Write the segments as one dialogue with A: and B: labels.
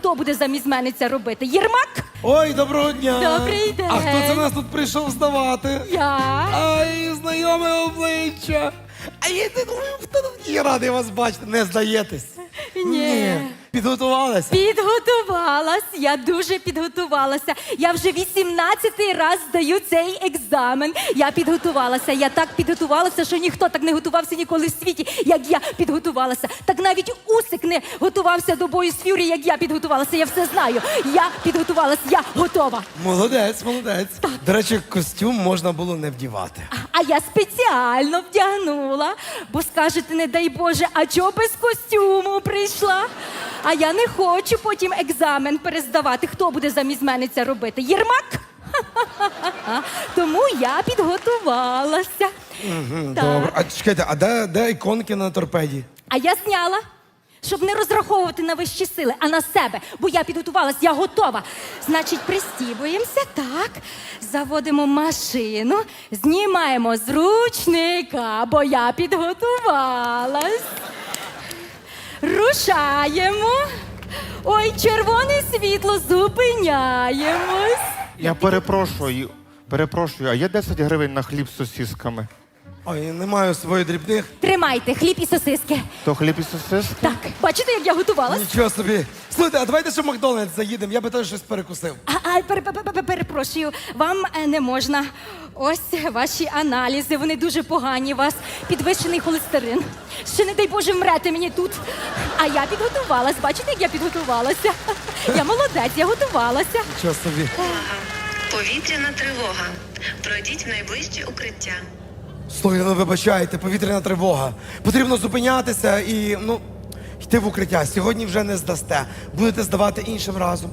A: хто буде замість мене це робити? Єрмак?
B: Ой, доброго дня.
A: Добрий день.
B: А хто це нас тут прийшов здавати?
A: Я.
B: Ай, знайоме обличчя. А я не думаю, хто тут є радий вас бачити. Не здаєтесь?
A: Ні.
B: Підготувалися?
A: Підготувалась, я дуже підготувалася. Я вже 18-й раз здаю цей екзамен. Я підготувалася, я так підготувалася, що ніхто так не готувався ніколи в світі, як я підготувалася. Так навіть Усик не готувався до бою з Ф'юрі, як я підготувалася. Я все знаю. Я підготувалась, я готова.
B: Молодець, молодець. До речі, костюм можна було не вдівати.
A: А я спеціально вдягнула, бо скажете, не дай Боже, а чого без костюму прийшла? А я не хочу потім екзамен перездавати. Хто буде замість мене це робити? Єрмак? Ха-ха-ха-ха. Тому я підготувалася. Так.
B: Добре. А чекайте, а де іконки на торпеді?
A: А я зняла, щоб не розраховувати на вищі сили, а на себе. Бо я підготувалась, я готова. Значить, пристібуємося, так. Заводимо машину, знімаємо з ручника, бо я підготувалась. Рушаємо. Ой, червоне світло, зупиняємось.
C: Я перепрошую, а є 10 гривень на хліб з сосісками?
B: Ой, не маю своїх дрібних.
A: Тримайте, хліб і сосиски.
C: То хліб і сосиски?
A: Так, бачите, як я готувалась?
B: Нічого собі. Слухайте, а давайте ще в Макдональдс заїдемо, я би теж щось перекусив.
A: Перепрошую, вам не можна. Ось ваші аналізи, вони дуже погані. У вас підвищений холестерин. Ще, не дай Боже, вмрете мені тут. А я підготувалась. Бачите, як я підготувалася? Я молодець, я готувалася.
B: Нічого собі.
D: Повітряна тривога. Пройдіть в найближче укриття.
B: Слухайте, ну вибачайте, повітряна тривога. Потрібно зупинятися і, йти в укриття. Сьогодні вже не здасте. Будете здавати іншим разом.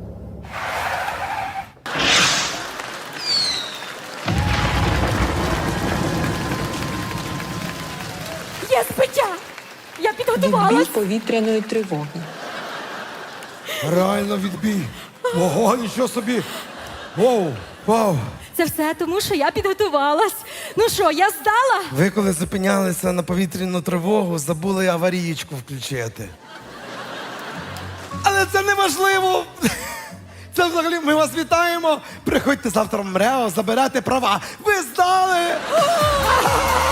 A: Є збиття! Я
E: Відбій
A: підготувалась.
E: повітряної тривоги.
B: Реально відбій. Ого, нічого собі. Воу, вау.
A: Це все тому, що я підготувалась. Ну що, я здала?
B: Ви коли зупинялися на повітряну тривогу, забули аварієчку включити. Але це не важливо. Це взагалі ми вас вітаємо. Приходьте завтра в МРЕО, забирати права. Ви здали!